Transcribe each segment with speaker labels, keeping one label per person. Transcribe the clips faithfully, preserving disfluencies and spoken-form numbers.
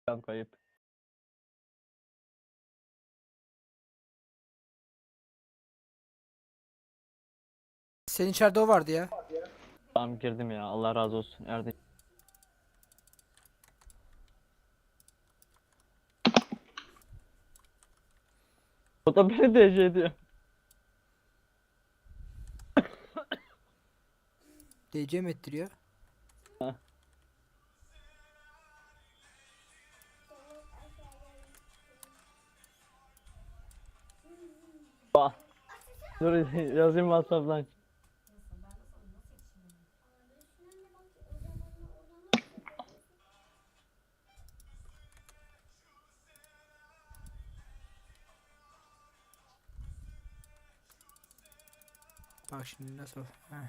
Speaker 1: Tam kayıp.
Speaker 2: Senin içeride o vardı ya.
Speaker 1: Tamam girdim ya. Allah razı olsun. Erdinç. O da beni D C ediyor.
Speaker 2: D C mi ettiriyor?
Speaker 1: Ha. Bak. Dur yazayım WhatsApp'tan.
Speaker 2: Bak şimdi nasıl. Heh.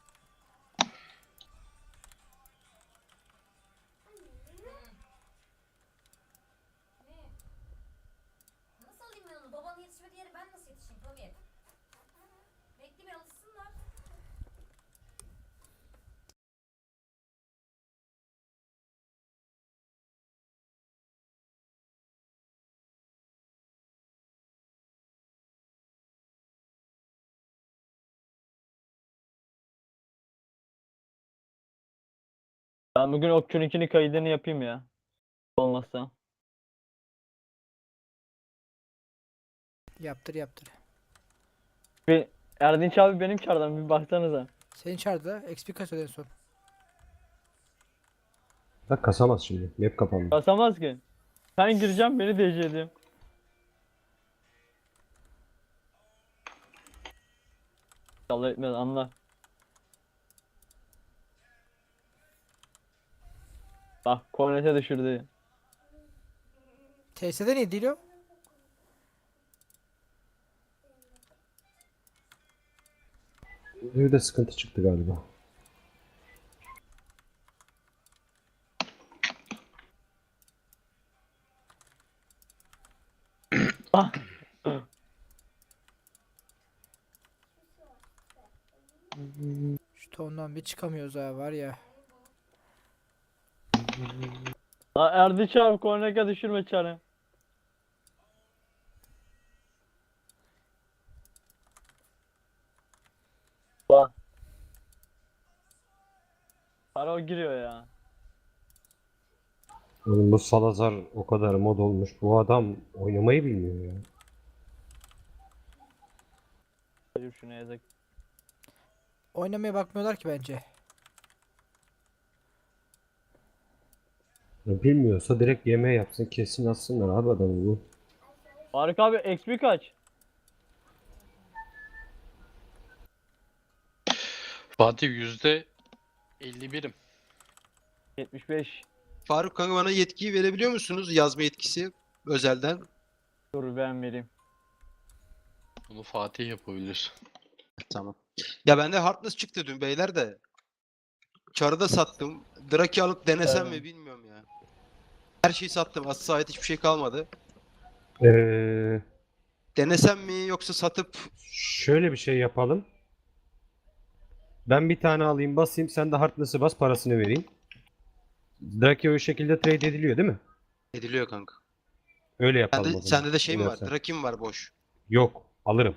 Speaker 3: Nasıl alayım ben onu? Babanın yetişmediği yere ben nasıl yetişeyim tabii. Bekle bir alışsınlar.
Speaker 1: Ben bugün Okçu'nunkini kaydını yapayım ya. Olmazsa.
Speaker 2: Yaptır yaptır.
Speaker 1: Bir Erdinç abi benim çardan bir baksanıza.
Speaker 2: Senin içeride X P kasıyordu en son.
Speaker 4: Bak kasamaz şimdi. Map kapandı.
Speaker 1: Basamaz ki. Ben gireceğim beni D C ediyor. Allah etmez anla. Bak kornete düşürdü.
Speaker 2: T S'de ne değil o?
Speaker 4: Bir de sıkıntı çıktı galiba.
Speaker 1: Ah.
Speaker 2: Şu tondan bir çıkamıyoruz ha var ya.
Speaker 1: La Erdinç abi kornete düşürme çarı. Bak. Para o giriyor ya.
Speaker 4: Oğlum bu Salazar o kadar mod olmuş. Bu adam oynamayı bilmiyor ya.
Speaker 1: Hayır şuna yazık.
Speaker 2: Oynamaya bakmıyorlar ki bence.
Speaker 4: Bilmiyorsa direkt yemeği yapsın, kesin atsınlar abi adamı bu.
Speaker 1: Faruk abi X P kaç?
Speaker 5: Fatih yüzde elli birim.
Speaker 1: yetmiş beş.
Speaker 6: Faruk kanka bana yetkiyi verebiliyor musunuz? Yazma yetkisi özelden.
Speaker 1: Dur ben vereyim.
Speaker 5: Bunu Fatih yapabilir.
Speaker 6: Tamam. Ya bende Heartless çıktı dün beyler de. Çarı da sattım. Draki alıp denesem
Speaker 1: Evet.
Speaker 6: mi bilmiyorum ya. Her şeyi sattım. Asla ait hiçbir şey kalmadı.
Speaker 4: Ee,
Speaker 6: Denesem mi yoksa satıp
Speaker 4: şöyle bir şey yapalım. Ben bir tane alayım basayım, sen de Heartless'ı bas, parasını vereyim. Draki o şekilde trade ediliyor değil mi?
Speaker 6: ediliyor kanka.
Speaker 4: Öyle yapalım
Speaker 6: Sende,
Speaker 4: o zaman.
Speaker 6: sende de şey
Speaker 4: Öyle
Speaker 6: mi var?
Speaker 4: yapsak.
Speaker 6: Draki mi var boş?
Speaker 4: Yok, alırım.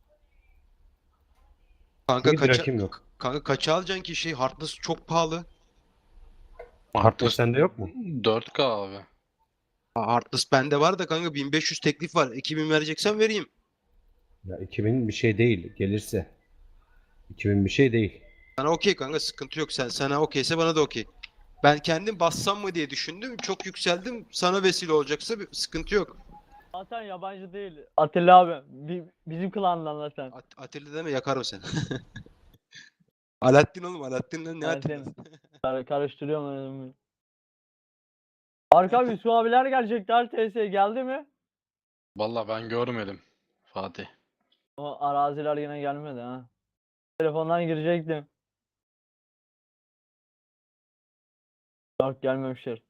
Speaker 6: Kanka
Speaker 4: Çünkü
Speaker 6: kaça
Speaker 4: Draki'm yok.
Speaker 6: kanka kaça alacaksın ki şey Heartless çok pahalı.
Speaker 4: Heartless sende yok mu?
Speaker 5: dört K abi.
Speaker 6: Aa, Heartless bende var da kanka bin beş yüz teklif var. iki bin vereceksen vereyim.
Speaker 4: Ya iki bin bir şey değil gelirse. iki bin bir şey değil.
Speaker 6: Sana okey kanka sıkıntı yok. Sen sana okeyse bana da okey. Ben kendim bassam mı diye düşündüm. Çok yükseldim. Sana vesile olacaksa bir sıkıntı yok.
Speaker 1: Zaten yabancı değil. Atilla abi. Bi- bizim klandan lan sen.
Speaker 6: At Atilla deme yakarım seni. Alaaddin oğlum Alaaddin'le ne
Speaker 1: Ben
Speaker 6: Atilla?
Speaker 1: seni kar karıştırıyorum önümü. Faruk abi su abiler gelecekler. T S geldi mi?
Speaker 5: Vallahi ben görmedim Fatih.
Speaker 1: O araziler yine gelmedi ha. Telefondan girecektim. Yok gelmemişler.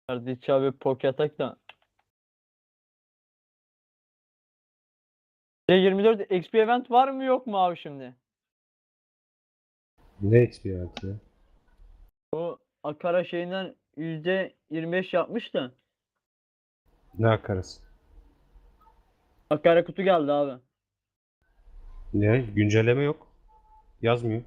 Speaker 1: Erdinç abi pok yatak da. E yirmi dört X P event var mı yok mu abi şimdi?
Speaker 4: Ne experience ya?
Speaker 1: Bu Akara şeyinden yüzde yirmi beş yapmış da.
Speaker 4: Ne akarası?
Speaker 1: Akara kutu geldi abi.
Speaker 4: Ne? Güncelleme yok. Yazmıyor.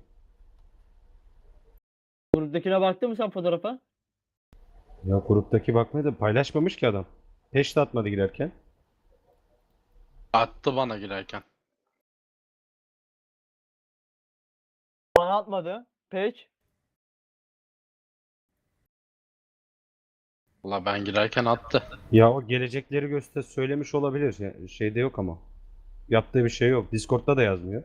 Speaker 1: Gruptakine baktın mı sen fotoğrafa?
Speaker 4: Ya gruptaki bakmaya da paylaşmamış ki adam. Peş de atmadı girerken.
Speaker 5: Attı bana girerken.
Speaker 1: Bana atmadı. Page.
Speaker 5: Valla ben girerken attı.
Speaker 4: Ya o gelecekleri göster söylemiş olabilir. Ya, şeyde yok ama. Yaptığı bir şey yok. Discord'da da yazmıyor.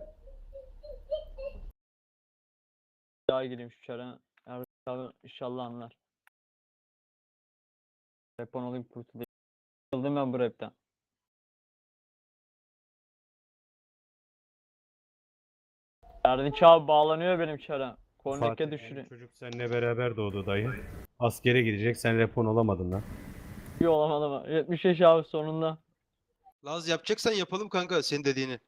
Speaker 1: Daha gireyim şu çara. Erdinç abi inşallah anlar. Rapon olayım kurtulayım. Sıkıldım ben bu rapten. Erdinç abi bağlanıyor benim çara. Korneke
Speaker 4: Fatih,
Speaker 1: düşürüyor.
Speaker 4: çocuk seninle beraber doğdu dayı. Askere gidecek, sen repon olamadın lan.
Speaker 1: İyi olamadı ama. yetmiş yaş abi sonunda.
Speaker 6: Laz yapacaksan yapalım kanka senin dediğini.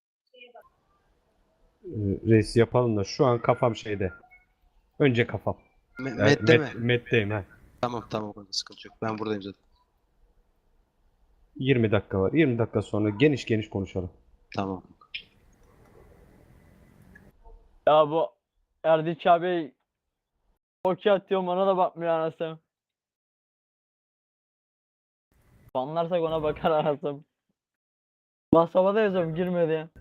Speaker 4: Ee, reis yapalım da şu an kafam şeyde. Önce kafam.
Speaker 6: Me
Speaker 4: Yani
Speaker 6: Mette
Speaker 4: Met-
Speaker 6: mi?
Speaker 4: Met'teyim ha.
Speaker 6: Tamam tamam kanka sıkıntı yok. Ben buradayım zaten.
Speaker 4: yirmi dakika var. yirmi dakika sonra geniş geniş konuşalım.
Speaker 6: Tamam.
Speaker 1: Ya bu Erdinç abi okey atıyor bana da bakmıyor anasım. Banlarsak ona bakar anasım. WhatsApp'a da yazıyorum girmedi ya.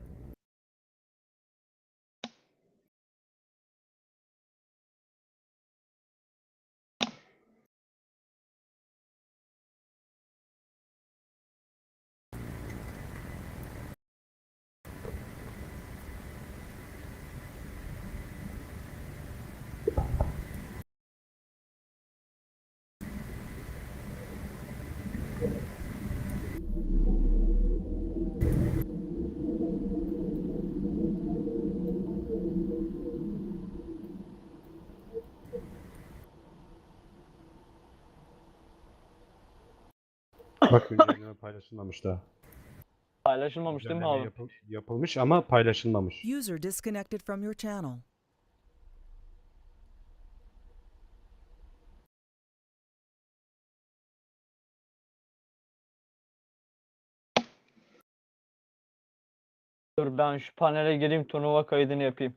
Speaker 4: Bak güncelleme paylaşılmamış daha.
Speaker 1: Paylaşılmamış değil mi
Speaker 4: Güncelleme
Speaker 1: abi?
Speaker 4: yapıl- yapılmış ama paylaşılmamış.
Speaker 7: User disconnected from your channel.
Speaker 1: Dur ben şu panele gireyim turnuva kaydını yapayım.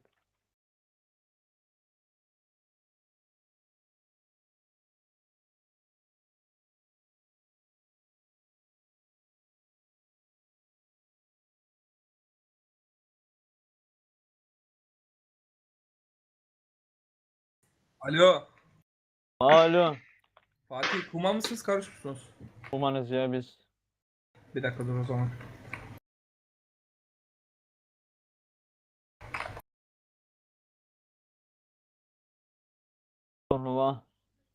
Speaker 8: Alo.
Speaker 1: Alo.
Speaker 8: Fatih kuma mısınız karış mısınız?
Speaker 1: Umanız ya biz.
Speaker 8: Bir dakika dur o zaman.
Speaker 1: Turnuva.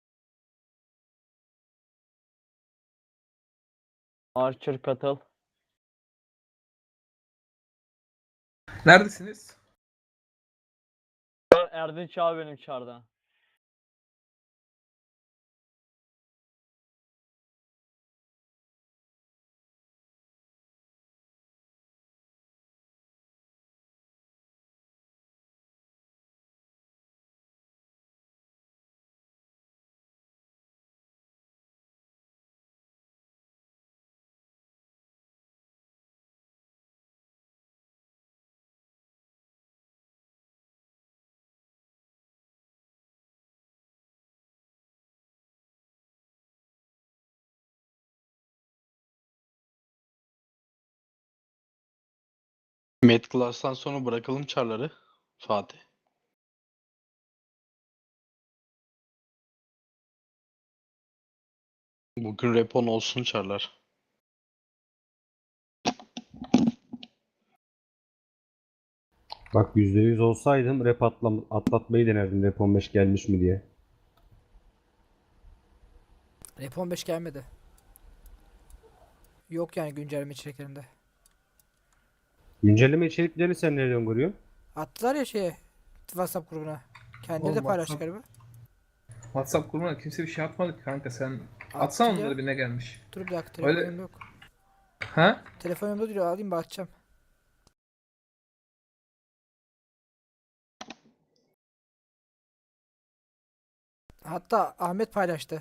Speaker 1: Archer katıl.
Speaker 8: Neredesiniz?
Speaker 1: Erdinç abi benim çarda.
Speaker 5: Med Class'tan sonra bırakalım çarları. Fatih. Bugün repon olsun çarlar.
Speaker 4: Bak yüzde yüz olsaydım rap atlam atlatmayı denerdim rap on beş gelmiş mi diye.
Speaker 2: Rap on beş gelmedi. Yok yani güncelleme içeriklerinde.
Speaker 4: Güncelleme içeriklerini sen nereden görüyorsun?
Speaker 2: Attılar ya şeye WhatsApp grubuna. Kendileri
Speaker 8: Oğlum
Speaker 2: de paylaştı
Speaker 8: WhatsApp-
Speaker 2: galiba.
Speaker 8: WhatsApp grubuna kimse bir şey atmadı ki kanka sen Atsana
Speaker 2: Attı ya.
Speaker 8: onları bir ne gelmiş.
Speaker 2: Dur bir dakika
Speaker 8: Öyle-
Speaker 2: telefonum yok.
Speaker 8: Ha?
Speaker 2: Telefonumda duruyor, alayım bakacağım. Hatta Ahmet paylaştı.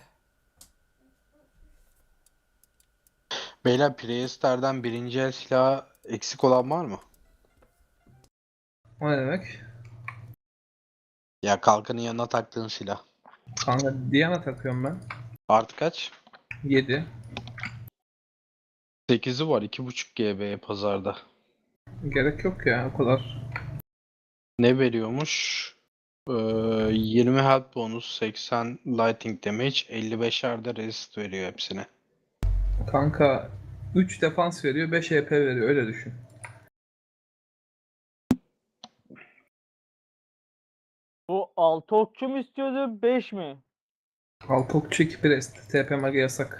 Speaker 5: Beyler Priester'den birinci el silahı eksik olan var mı?
Speaker 8: O ne demek?
Speaker 5: Ya kalkanın yanına taktığın silah.
Speaker 8: Kanka Diana takıyorum ben.
Speaker 5: Artı kaç?
Speaker 8: yedi.
Speaker 5: sekizi var iki buçuk G B'ye pazarda.
Speaker 8: Gerek yok ya o kadar.
Speaker 5: Ne veriyormuş? Ee, yirmi health bonus, seksen lightning damage, elli beşer de resist veriyor hepsine.
Speaker 8: Kanka üç defans veriyor, beş E P veriyor öyle düşün.
Speaker 1: Bu altı okçu mu istiyordu beş mi?
Speaker 8: altı okçu iki prest. T P mage yasak.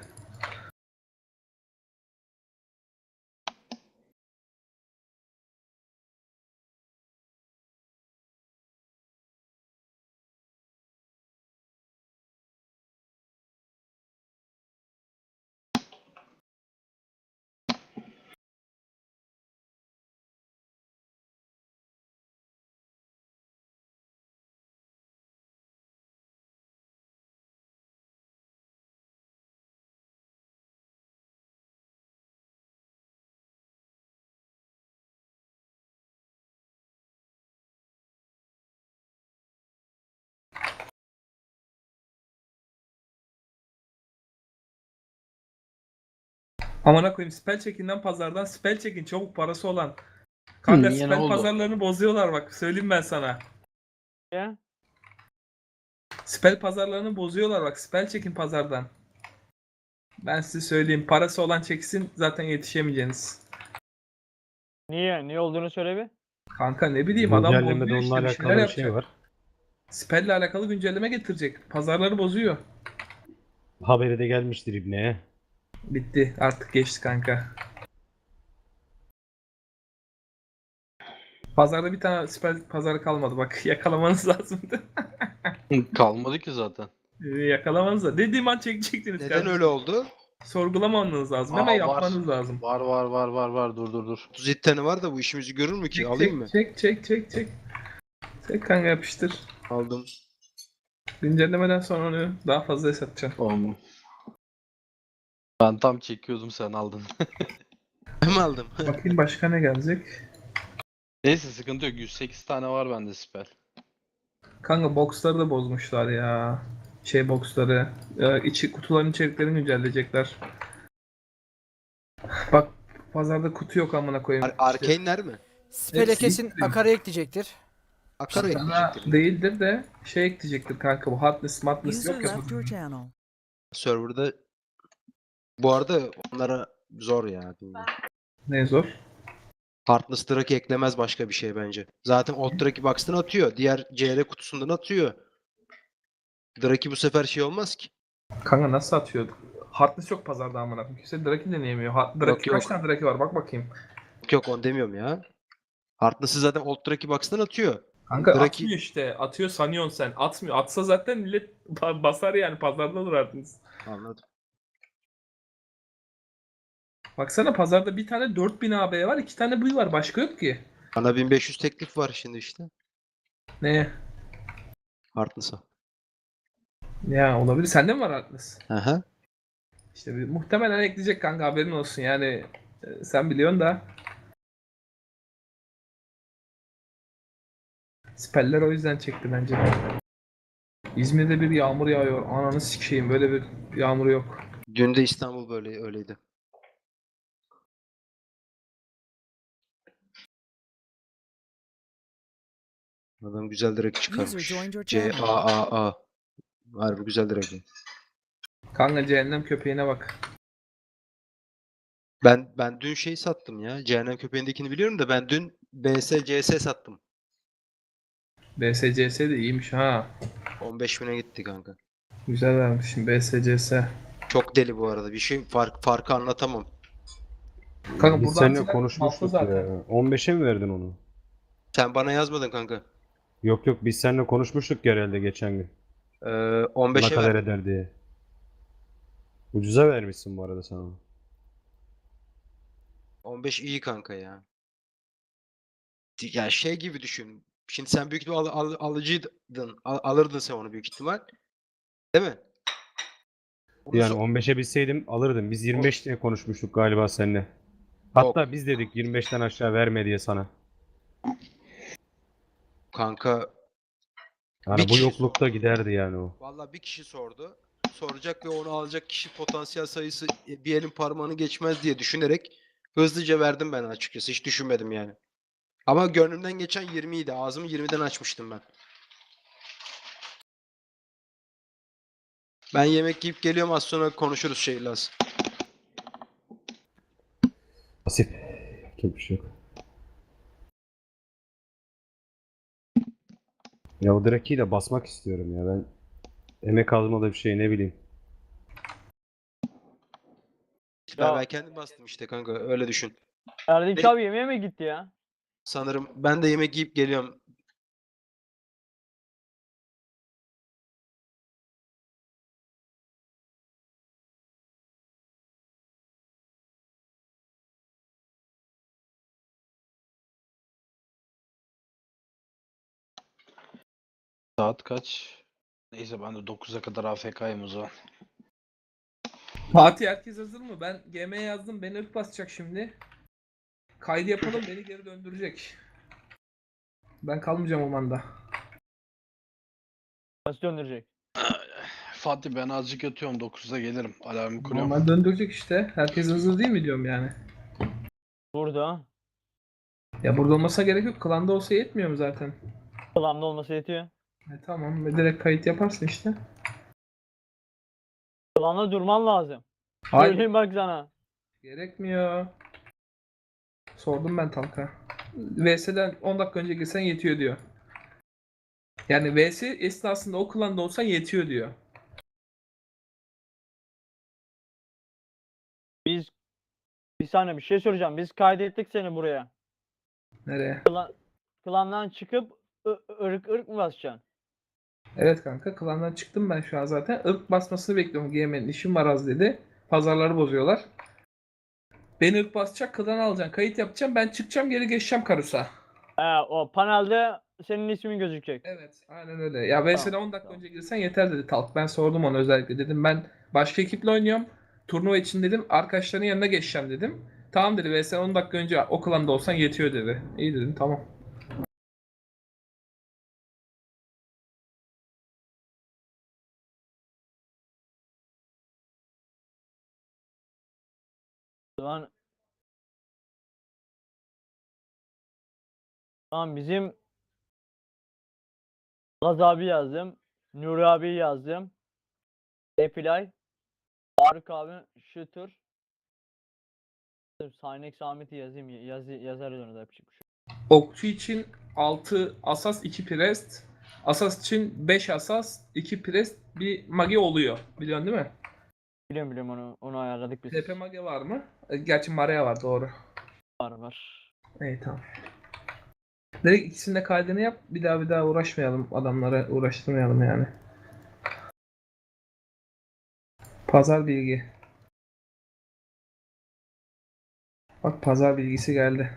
Speaker 8: Amına koyayım spell check'inden pazardan spell check'in çabuk parası olan. Kanka
Speaker 5: Niye, ne
Speaker 8: spell
Speaker 5: oldu?
Speaker 8: pazarlarını bozuyorlar bak söyleyeyim ben sana.
Speaker 1: Ya?
Speaker 8: Spell pazarlarını bozuyorlar bak spell check'in pazardan. Ben size söyleyeyim parası olan çeksin zaten yetişemeyeceksiniz.
Speaker 1: Niye? Niye olduğunu söyle bir.
Speaker 8: Kanka ne bileyim adam
Speaker 4: Güncellemede
Speaker 8: bozuyor
Speaker 4: onunla
Speaker 8: işte bir
Speaker 4: alakalı
Speaker 8: şeyler
Speaker 4: bir şey
Speaker 8: yapacak.
Speaker 4: var.
Speaker 8: Spell'le alakalı güncelleme getirecek. Pazarları bozuyor.
Speaker 4: Haberi de gelmiştir İbne'ye.
Speaker 8: Bitti artık geçti kanka. Pazarda bir tane spell pazarı kalmadı bak yakalamanız lazımdı.
Speaker 5: Kalmadı ki zaten.
Speaker 8: Ee, Yakalamanız da. Dediğim an çekecektiniz
Speaker 6: Neden
Speaker 8: kardeşim.
Speaker 6: öyle oldu?
Speaker 8: Sorgulamanız lazım. Hemen
Speaker 5: Aa, var.
Speaker 8: yapmanız lazım.
Speaker 5: Var var var var var dur dur dur.
Speaker 6: otuz yedi tane var da bu işimizi görür mü ki?
Speaker 8: Çek,
Speaker 6: Alayım
Speaker 8: çek,
Speaker 6: mı?
Speaker 8: Çek çek çek çek. Çek kanka yapıştır.
Speaker 6: Aldım.
Speaker 8: Güncellemeden sonra onu daha fazla satacağım.
Speaker 5: Tamam. Ben tam çekiyordum sen aldın.
Speaker 6: Hem aldım.
Speaker 8: Bakayım başka ne gelecek.
Speaker 5: Neyse sıkıntı yok. yüz sekiz tane var bende spell.
Speaker 8: Kanka boxları da bozmuşlar ya. Şey boxları. Ee, içi, kutuların içeriklerini güncelleyecekler. Bak pazarda kutu yok amına koyayım.
Speaker 6: Ar Arkane'ler mi?
Speaker 2: Spell'e
Speaker 8: Hepsi
Speaker 2: kesin
Speaker 8: gitti.
Speaker 2: akara ekleyecektir.
Speaker 6: Akara
Speaker 8: Sana
Speaker 6: ekleyecektir.
Speaker 8: değildir de şey ekleyecektir kanka bu hardness madness
Speaker 7: User
Speaker 8: yok ya.
Speaker 7: left your channel.
Speaker 6: Server'da bu arada onlara zor ya.
Speaker 8: Ne zor.
Speaker 6: Heartless Drake eklemez başka bir şey bence. Zaten Old Drake Box'tan atıyor. Diğer C R kutusundan atıyor. Drake bu sefer şey olmaz ki.
Speaker 8: Kanka nasıl atıyor? Hardness yok pazarda amına koyayım. Kimse Draki deneyemiyor. Ha, Draki
Speaker 6: Yok,
Speaker 8: kaç
Speaker 6: yok.
Speaker 8: tane Draki var bak bakayım.
Speaker 6: Yok onu demiyorum ya. Heartless'ı zaten Old Drake Box'tan atıyor.
Speaker 8: Kanka
Speaker 6: Draki-
Speaker 8: atmıyor işte. Atıyor sanıyorsun sen. Atmıyor. Atsa zaten millet ba- basar yani pazarda olur Hardness.
Speaker 6: Anladım.
Speaker 8: Baksana pazarda bir tane dört bin A B var, iki tane buy var. Başka yok ki.
Speaker 6: Bana bin beş yüz teklif var şimdi işte.
Speaker 8: Ne?
Speaker 6: Heartless'a.
Speaker 8: Ya olabilir. Sende mi var Hardness?
Speaker 6: Aha.
Speaker 8: İşte bir, muhtemelen ekleyecek kanka haberin olsun yani. e, sen biliyorsun da. Speller o yüzden çekti bence. İzmir'de bir yağmur yağıyor. Ananı sikeyim böyle bir yağmur yok.
Speaker 6: Dün de İstanbul böyle öyleydi. Adam güzel direkt çıkarmış.
Speaker 7: joined your
Speaker 6: C
Speaker 7: channel.
Speaker 6: A A A. Harbi güzel direkt.
Speaker 8: Kanka cehennem köpeğine bak.
Speaker 6: Ben ben dün şey sattım ya. Cehennem köpeğindekini biliyorum da ben dün B S C S sattım.
Speaker 8: B S C S de iyiymiş ha.
Speaker 6: on beş bine gitti kanka.
Speaker 8: Güzel vermişsin B S C S.
Speaker 6: Çok deli bu arada. Bir şey fark farkı anlatamam.
Speaker 8: Kanka
Speaker 4: Biz
Speaker 8: burada
Speaker 4: seninle
Speaker 8: antiler
Speaker 4: konuşmuştuk
Speaker 8: malta zaten.
Speaker 4: ya. on beşe mi verdin onu?
Speaker 6: Sen bana yazmadın kanka.
Speaker 4: Yok yok biz seninle konuşmuştuk herhalde geçen gün.
Speaker 6: Ee,
Speaker 4: Ne
Speaker 6: on beşe
Speaker 4: kadar
Speaker 6: verdim.
Speaker 4: eder diye. Ucuza vermişsin bu arada sen onu.
Speaker 6: on beş iyi kanka ya. Ya şey gibi düşün. Şimdi sen büyük ihtimal al, al- alıcıydın. Al- alırdın sen onu büyük ihtimal. Değil mi? Onu
Speaker 4: Yani
Speaker 6: so-
Speaker 4: on beşe bilseydim alırdım. Biz yirmi beş diye konuşmuştuk galiba seninle. Hatta biz dedik yirmi beşten aşağı verme diye sana.
Speaker 6: Kanka
Speaker 4: Yani
Speaker 6: Bir
Speaker 4: bu
Speaker 6: kişi
Speaker 4: yoklukta giderdi yani o.
Speaker 6: vallahi bir kişi sordu. Soracak ve onu alacak kişi potansiyel sayısı e, bir elin parmağını geçmez diye düşünerek hızlıca verdim ben açıkçası. Hiç düşünmedim yani. Ama gönlümden geçen yirmi idi. Ağzımı yirmiden açmıştım ben. Ben yemek yiyip geliyorum, az sonra konuşuruz Şeylas.
Speaker 4: Nasip. Çok bir şey yok. Ya o Draki'yi de basmak istiyorum ya ben. Emek azmalı bir şey ne bileyim.
Speaker 6: Ben,
Speaker 1: Ya-
Speaker 6: ben kendim bastım işte kanka, öyle düşün.
Speaker 1: Erdinç
Speaker 6: Ne-
Speaker 1: abi yemeğe mi gitti ya?
Speaker 6: Sanırım ben de yemek yiyip geliyorum.
Speaker 5: Saat kaç? Neyse ben de dokuza kadar A F K'yım o zaman.
Speaker 8: Fatih herkes hazır mı? Ben G M'ye yazdım. Beni ırk basacak şimdi. Kaydı yapalım, beni geri döndürecek. Ben kalmayacağım o manda.
Speaker 1: Nasıl döndürecek?
Speaker 5: Fatih ben azıcık yatıyorum, dokuzda gelirim. Alarmı kuruyorum.
Speaker 8: Normal döndürecek işte. Herkes hazır değil mi diyorum yani.
Speaker 1: Burada.
Speaker 8: Ya burada olmasa gerek yok. Klanda olsa yetmiyor mu zaten?
Speaker 1: Klan'da olması yetiyor.
Speaker 8: E tamam. Ve direkt kayıt yaparsın işte.
Speaker 1: Klan'da durman lazım.
Speaker 8: Hayır.
Speaker 1: Söyleyeyim bak sana.
Speaker 8: Gerekmiyor. Sordum ben Talka. V S'den on dakika önce girsen yetiyor diyor. Yani V S esnasında o klanda olsan yetiyor diyor.
Speaker 1: Biz bir saniye bir şey soracağım. Biz kaydettik seni buraya.
Speaker 8: Nereye?
Speaker 1: Klan, klandan çıkıp ı- ırk ırk mı basacaksın?
Speaker 8: Evet kanka, klandan çıktım ben şu an zaten. Irk basmasını bekliyorum. G M'nin işim var az dedi. Pazarları bozuyorlar. Beni ırk basacak, klan alacaksın. Kayıt yapacağım. Ben çıkacağım, geri geçeceğim Karus'a.
Speaker 1: He, o panelde senin ismin gözükecek.
Speaker 8: Evet, aynen öyle. Ya V S'den
Speaker 1: Tamam,
Speaker 8: on dakika
Speaker 1: tamam.
Speaker 8: önce girsen yeter dedi Talk. Ben sordum ona özellikle. Dedim ben başka ekiple oynuyorum. Turnuva için dedim. Arkadaşların yanına geçeceğim dedim. Tamam dedi. V S'den on dakika önce o klanda olsan yetiyor dedi. İyi dedim, tamam.
Speaker 1: Lan tamam bizim Laz abi yazdım. Nuri abi yazdım. Epilay. Faruk abi Shooter. Saynek Samet'i yazayım. Yaz, yazarız onu da yapacak bir şey.
Speaker 8: Okçu için altı asas, iki priest. Asas için beş asas, iki priest, bir mage oluyor. Biliyorsun değil mi?
Speaker 1: Biliyorum biliyorum onu onu ayarladık biz.
Speaker 8: T P mage var mı? E, Gerçi Maria var, doğru.
Speaker 1: Var var.
Speaker 8: İyi, tamam. Direkt ikisinin de kaydını yap. Bir daha bir daha uğraşmayalım. Adamlara uğraştırmayalım yani. Pazar bilgi. Bak, pazar bilgisi geldi.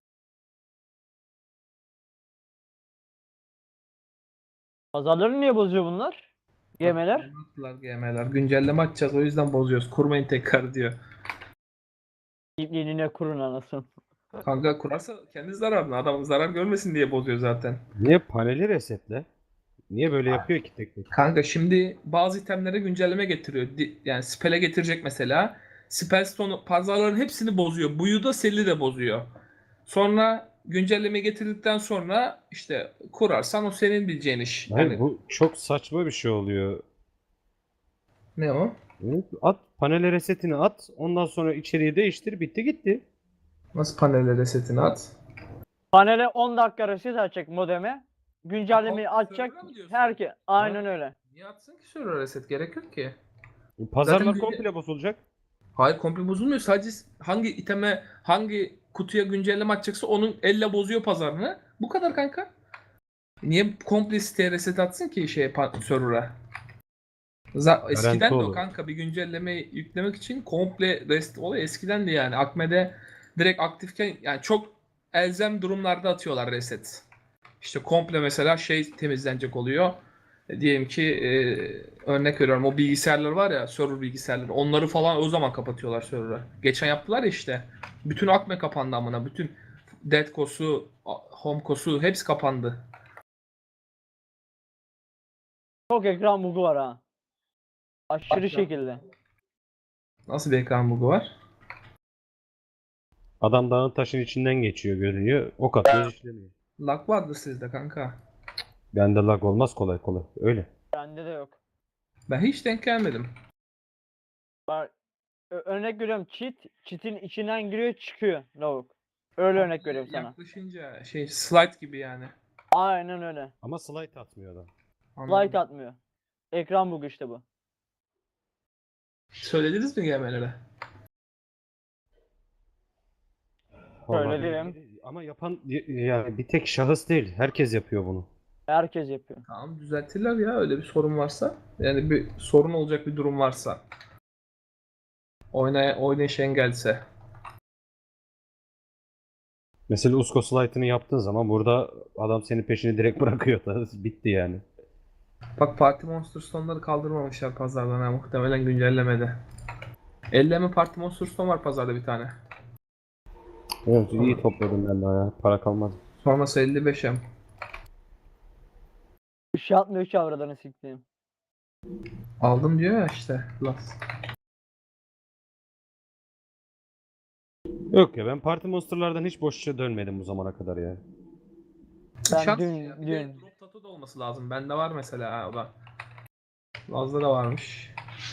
Speaker 1: Pazarları niye bozuyor bunlar? Gemeler.
Speaker 8: Bak, attılar G M'ler. Güncelleme atacağız, o yüzden bozuyoruz. Kurmayın tekrar diyor.
Speaker 1: İpliğine kurun anasın.
Speaker 8: Kanka kurarsa kendi zararına. Adam zarar görmesin diye bozuyor zaten.
Speaker 4: Niye paneli resetle? Niye böyle yapıyor ki tek tek?
Speaker 8: Kanka şimdi bazı itemlere güncelleme getiriyor. Di- Yani spell'e getirecek mesela. Spell stone pazarların hepsini bozuyor. Buyu da Sel'i de bozuyor. Sonra güncelleme getirdikten sonra işte kurarsan o senin bileceğin iş.
Speaker 4: Hayır,
Speaker 8: Yani
Speaker 4: bu çok saçma bir şey oluyor.
Speaker 8: ne o?
Speaker 4: Evet, at panele resetini at. Ondan sonra içeriği değiştir. Bitti gitti.
Speaker 8: Nasıl panele resetini at?
Speaker 1: Panele on dakika reset açacak modeme. Güncellemeyi
Speaker 8: Server'a
Speaker 1: açacak.
Speaker 8: mı diyorsun?
Speaker 1: Herke aynen
Speaker 8: Ha.
Speaker 1: öyle.
Speaker 8: Niye atsın ki server reset? Gerek yok ki.
Speaker 4: Pazarlar
Speaker 8: Zaten
Speaker 4: komple bozulacak.
Speaker 8: Hayır, komple bozulmuyor. Sadece hangi iteme, hangi kutuya güncelleme atacaksa onun elle bozuyor pazarını. Bu kadar kanka. Niye komple siteye reset atsın ki şeye pa- server'a? Za- Eskiden de o
Speaker 4: olur.
Speaker 8: kanka, bir güncelleme yüklemek için komple rest olayı eskidendi yani. Akme'de direkt aktifken yani çok elzem durumlarda atıyorlar reset. İşte komple mesela şey temizlenecek oluyor. E, diyelim ki e, örnek veriyorum, o bilgisayarlar var ya, server bilgisayarları, onları falan o zaman kapatıyorlar server'ı. Geçen yaptılar ya işte. Bütün Akme kapandı amına. Bütün Deadco'su, Homeco'su hepsi kapandı.
Speaker 1: Çok ekran bugu var ha. Aşırı
Speaker 8: Bak ya.
Speaker 1: şekilde.
Speaker 8: Nasıl bir ekran bugu var?
Speaker 4: Adam dağın taşın içinden geçiyor görünüyor. Ok atıyoruz işlemiyor.
Speaker 8: Lag vardır sizde kanka.
Speaker 4: Bende lag olmaz kolay kolay. Öyle.
Speaker 1: Bende de yok.
Speaker 8: Ben hiç denk gelmedim.
Speaker 1: Bak, ö- örnek veriyorum, cheat. Cheat'in içinden giriyor çıkıyor lavuk. Öyle örnek veriyorum sana.
Speaker 8: Yaklaşınca şey slide gibi yani.
Speaker 1: Aynen öyle.
Speaker 4: Ama slide atmıyor adam.
Speaker 8: Anladım.
Speaker 1: Light atmıyor. Ekran bugu işte bu.
Speaker 8: Söylediniz mi gelmelere?
Speaker 4: Vallahi
Speaker 1: Söyledim.
Speaker 4: ama yapan yani bir tek şahıs değil. Herkes yapıyor bunu.
Speaker 1: Herkes yapıyor.
Speaker 8: Tamam, düzeltirler ya öyle bir sorun varsa. Yani bir sorun olacak bir durum varsa. Oynay oynayış engelse.
Speaker 4: Mesela Usko slide'ını yaptığın zaman burada adam senin peşini direkt bırakıyor da bitti yani.
Speaker 8: Bak, Party Monster Stone'ları kaldırmamışlar pazardan ha, muhtemelen güncellemede. elleme Party Monster Stone var pazarda bir tane.
Speaker 4: Evet iyi topladım ben daha ya. Para kalmadı.
Speaker 8: Sonrası elli beş em.
Speaker 1: Bir şey atmıyor ki avradını siktiğim.
Speaker 8: Aldım diyor ya işte. Las.
Speaker 4: Yok ya ben Party Monster'lardan hiç boşça dönmedim bu zamana kadar ya.
Speaker 1: Ben
Speaker 8: Şans
Speaker 1: dün-
Speaker 8: ya. Bir
Speaker 1: dün-
Speaker 8: de drop tattoo da olması lazım. Bende var mesela ha, o da. Laz'da da varmış.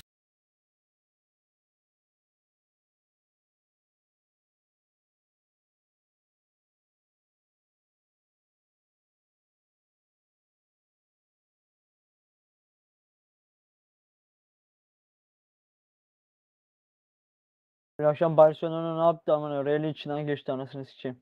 Speaker 1: Bir akşam Barcelona ne yaptı aman, Real'in içinden geçti anasını sikeyim.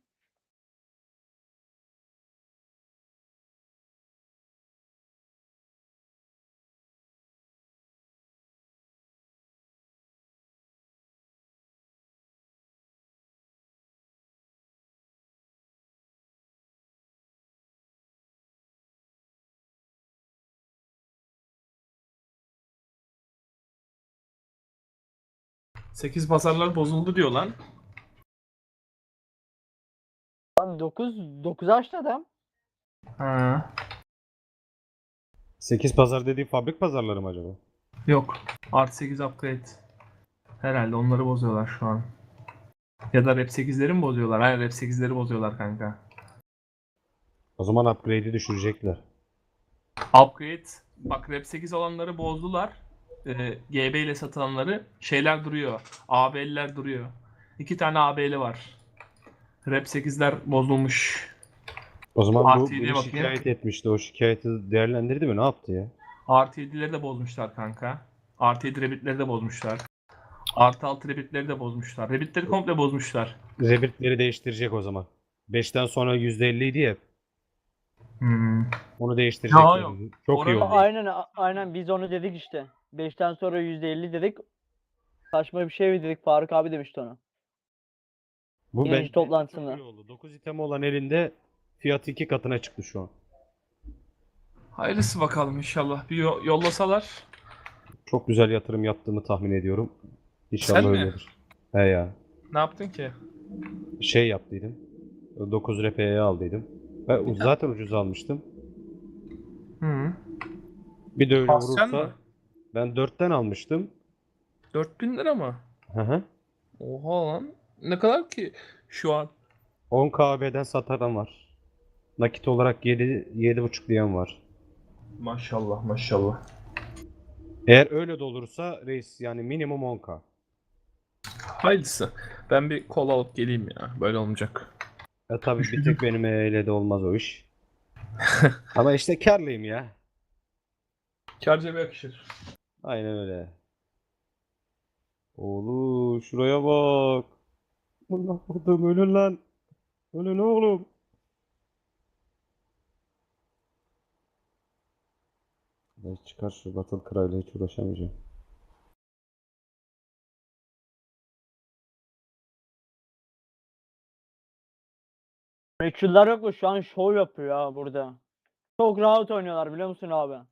Speaker 8: sekiz pazarlar bozuldu diyor lan.
Speaker 1: Lan dokuz dokuz açtı adam.
Speaker 8: Ha.
Speaker 4: sekiz pazar dediği fabrik pazarları mı acaba?
Speaker 8: Yok. Artı sekiz upgrade. Herhalde onları bozuyorlar şu an. Ya da rap sekizleri mi bozuyorlar? Hayır, rap sekizleri bozuyorlar kanka.
Speaker 4: O zaman upgrade'i düşürecekler.
Speaker 8: Upgrade. Bak, rap sekiz olanları bozdular. Ee, G B ile satılanları. Şeyler duruyor. A B'liler duruyor. İki tane A B'li var. Rap sekizler bozulmuş.
Speaker 4: O zaman bu
Speaker 8: Artı yediye
Speaker 4: beni
Speaker 8: bakayım.
Speaker 4: şikayet etmişti. O şikayeti değerlendirdi mi? Ne yaptı ya?
Speaker 8: Artı yedileri de bozmuşlar kanka. Artı yedi rabbitleri de bozmuşlar. Artı altı rabbitleri de bozmuşlar. Rabbitleri komple bozmuşlar.
Speaker 4: Rebirth'leri değiştirecek o zaman. beşten sonra yüzde elli idi ya.
Speaker 8: Hmm.
Speaker 4: Onu değiştirecekler.
Speaker 8: yok.
Speaker 4: Çok iyi
Speaker 8: Oranı-
Speaker 4: oldu.
Speaker 1: Aynen a- aynen biz onu dedik işte. beşten sonra yüzde elli dedik. Saçma bir şey mi dedik, Faruk abi demişti onu.
Speaker 4: Bu
Speaker 1: Yayıncı
Speaker 4: ben
Speaker 1: toplantısında.
Speaker 4: çok iyi oldu. dokuz item olan elinde fiyatı iki katına çıktı şu an.
Speaker 8: Hayırlısı bakalım inşallah. Bir yo- yollasalar.
Speaker 4: Çok güzel yatırım yaptığımı tahmin ediyorum. İnşallah
Speaker 8: Sen mi?
Speaker 4: öyledir. He ya.
Speaker 8: Ne yaptın ki?
Speaker 4: Şey yaptıydım. dokuz R P'ye aldıydım. Ben zaten ucuz almıştım.
Speaker 8: Hı.
Speaker 4: Bir de öyle
Speaker 8: Aslen mi?
Speaker 4: vurursa ben dörtten almıştım.
Speaker 8: dört bin lira mı?
Speaker 4: Hı hı.
Speaker 8: Oha lan. Ne kadar ki şu an?
Speaker 4: on K B'den satan var. Nakit olarak yedi yedi buçuk diyen var.
Speaker 8: Maşallah maşallah.
Speaker 4: Eğer öyle de olursa reis yani minimum on K.
Speaker 8: Hayırlısı. Ben bir kola alıp geleyim ya. Böyle olmayacak.
Speaker 4: E tabii bir tek benim eyle de olmaz o iş. Ama işte karlıyım ya.
Speaker 8: Kâr cebe yakışır.
Speaker 4: Aynen öyle. Oğlum şuraya bak. Allah kodum ölün lan. Ölün oğlum. Ay çıkar şu Battle Cry'la hiç uğraşamayacağım.
Speaker 1: Meçhuller yok mu? Şu an şov yapıyor ya burada. Çok rahat oynuyorlar biliyor musun abi?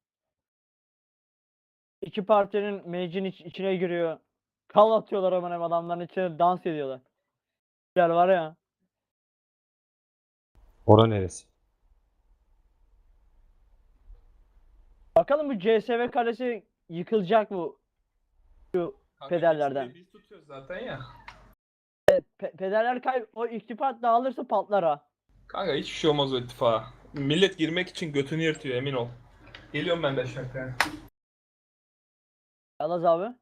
Speaker 1: İki partinin mage'in iç- içine giriyor. Kal atıyorlar hemen hem adamların içine dans ediyorlar. Güzel var ya.
Speaker 4: Ora neresi?
Speaker 1: Bakalım bu C S V kalesi yıkılacak mı? Şu
Speaker 8: Kanka
Speaker 1: Pederlerden.
Speaker 8: geçmeyi biz tutuyoruz zaten ya.
Speaker 1: pe- pederler kay o iktifat dağılırsa patlar ha.
Speaker 8: Kanka hiçbir şey olmaz o ittifaka. Millet girmek için götünü yırtıyor emin ol. Geliyorum ben de şarkıya.
Speaker 1: Yalnız abi.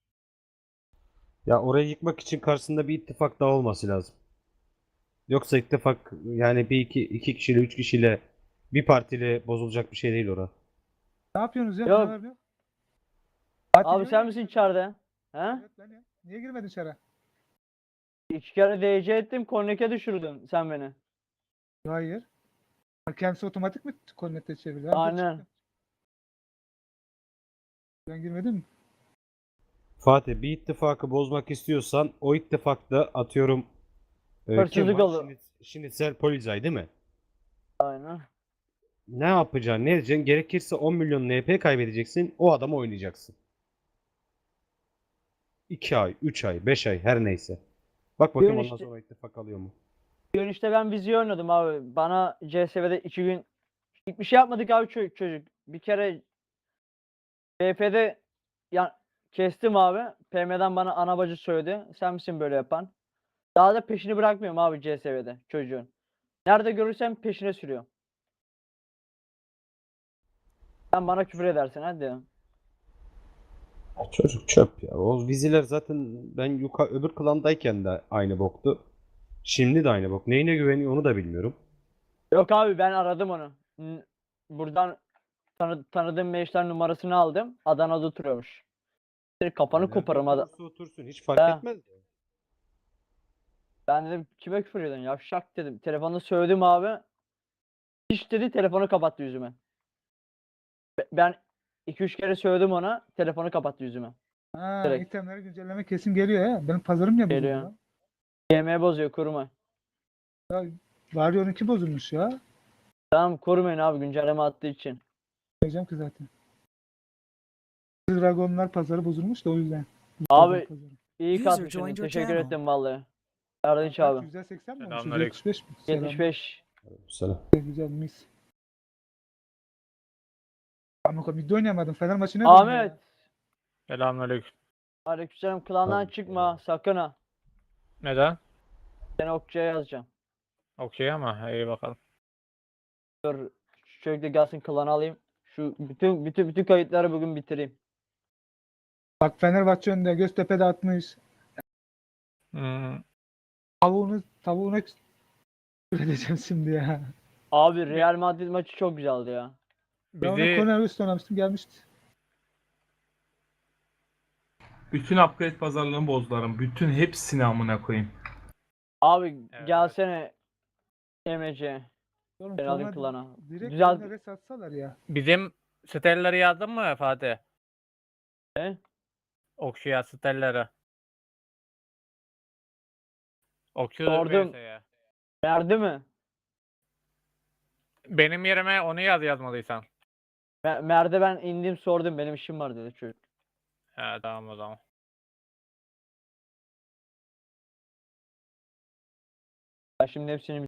Speaker 4: Ya orayı yıkmak için karşısında bir ittifak daha olması lazım. Yoksa ittifak yani bir iki iki kişiyle üç kişiyle bir partiyle bozulacak bir şey değil ora.
Speaker 9: Ne yapıyorsunuz ya?
Speaker 1: Yok.
Speaker 9: Ne yapıyor?
Speaker 1: Abi sen misin içeride? He?
Speaker 9: Evet ben ya. Niye girmedin içeri?
Speaker 1: İki kere D C ettim, korneke düşürdün sen beni.
Speaker 9: Hayır. Ha, Kendisi otomatik mi kornette çevirdi? Ha, dur
Speaker 1: Aynen.
Speaker 9: çıktım. Ben girmedim mi?
Speaker 4: Fatih bir ittifakı bozmak istiyorsan o ittifakta atıyorum e, kim
Speaker 1: Hırsızlık
Speaker 4: var?
Speaker 1: olur.
Speaker 4: Şimdi, Şinitsel Polizei değil mi?
Speaker 1: Aynen.
Speaker 4: Ne yapacaksın? Ne edeceksin? Gerekirse on milyon N P kaybedeceksin. O adamı oynayacaksın. iki ay, üç ay, beş ay her neyse. Bak bakayım
Speaker 1: Diyorsun
Speaker 4: ondan
Speaker 1: işte-
Speaker 4: sonra ittifak alıyor mu?
Speaker 1: Bugün işte ben viziyo oynadım abi. Bana C S V'de iki gün hiçbir şey yapmadık abi ço- çocuk. Bir kere B F'de ya kestim abi. P M'den bana ana bacı söyledi. Sen misin böyle yapan? Daha da peşini bırakmıyorum abi C S V'de çocuğun. Nerede görürsem peşine sürüyor. Sen bana küfür edersin hadi.
Speaker 4: Ya çocuk çöp ya. O viziler zaten ben yuka öbür klandayken de aynı boktu. Şimdi de aynı bok. Neyine güveniyor onu da bilmiyorum.
Speaker 1: Yok abi ben aradım onu. N- Buradan tanı tanıdığım meşler numarasını aldım. Adana'da oturuyormuş. Senin kafanı
Speaker 4: Nerede
Speaker 1: koparım ada.
Speaker 4: oturursa otursun hiç fark
Speaker 1: Ha.
Speaker 4: etmez.
Speaker 1: Ben dedim kime küfür ediyorsun? Yavşak dedim. Telefonda söyledim abi. Hiç dedi telefonu kapattı yüzüme. Be- Ben iki üç kere söyledim ona. Telefonu kapattı yüzüme.
Speaker 9: Ha,
Speaker 1: Direkt.
Speaker 9: itemleri güncelleme kesin geliyor ya. Benim pazarım niye bozuldu
Speaker 1: Geliyor.
Speaker 9: lan?
Speaker 1: G M bozuyor kuruma.
Speaker 9: Warrior'unki bozulmuş ya.
Speaker 1: Tamam kurmayın abi güncelleme attığı için.
Speaker 9: Diyeceğim ki zaten. Dragonlar pazarı bozulmuş da o yüzden.
Speaker 1: Abi
Speaker 9: Dragon pazarı.
Speaker 1: iyi
Speaker 7: User
Speaker 1: katmışsın.
Speaker 7: joined your
Speaker 1: Teşekkür
Speaker 7: channel.
Speaker 1: ettim vallahi. Erdinç
Speaker 9: Kaç,
Speaker 1: abi.
Speaker 9: yüzde seksen mi olmuş?
Speaker 8: Selamünaleyküm.
Speaker 9: yüzde yetmiş beş mi? Selam.
Speaker 1: yetmiş beş.
Speaker 4: Selam.
Speaker 9: Güzel mis. Ama bir de oynayamadım. Fener maçı ne döndü
Speaker 1: Ahmet.
Speaker 9: ya?
Speaker 10: Selamünaleyküm.
Speaker 1: Aleykümselam klandan
Speaker 4: Tabii.
Speaker 1: çıkma sakın ha.
Speaker 10: Neden?
Speaker 1: Seni okçuya yazacağım.
Speaker 10: Okey ama iyi bakalım.
Speaker 1: Dur şu çocuk da gelsin klanı alayım. Şu bütün bütün bütün kayıtları bugün bitireyim.
Speaker 9: Bak Fenerbahçe önünde Göztepe'de atmış.
Speaker 10: Hmm,
Speaker 9: Tavuğunu tavuğuna edeceğim şimdi ya.
Speaker 1: Abi Real Madrid maçı çok güzeldi ya.
Speaker 9: Ben ona
Speaker 10: Bizi-
Speaker 9: Cornelius oynamıştım gelmişti.
Speaker 8: Bütün upgrade pazarlarını bozdularım. Bütün hepsini amına koyayım.
Speaker 1: Abi
Speaker 10: Evet.
Speaker 1: gelsene Emre'ce.
Speaker 9: Oğlum
Speaker 1: Ben alayım
Speaker 9: Cornelius
Speaker 1: klana.
Speaker 9: direkt
Speaker 1: Güzel.
Speaker 9: Güzel. res atsalar ya.
Speaker 10: bizim stelleri yazdın mı Fatih?
Speaker 1: Ne?
Speaker 10: Okşuya stelleri. Okçu
Speaker 1: Sordum.
Speaker 10: V S'ye.
Speaker 1: Verdi mi?
Speaker 10: Benim yerime onu yaz yazmadıysan.
Speaker 1: Me- Mer'de ben indim sordum benim işim var dedi çocuk.
Speaker 10: He tamam o zaman.
Speaker 1: Ben şimdi hepsini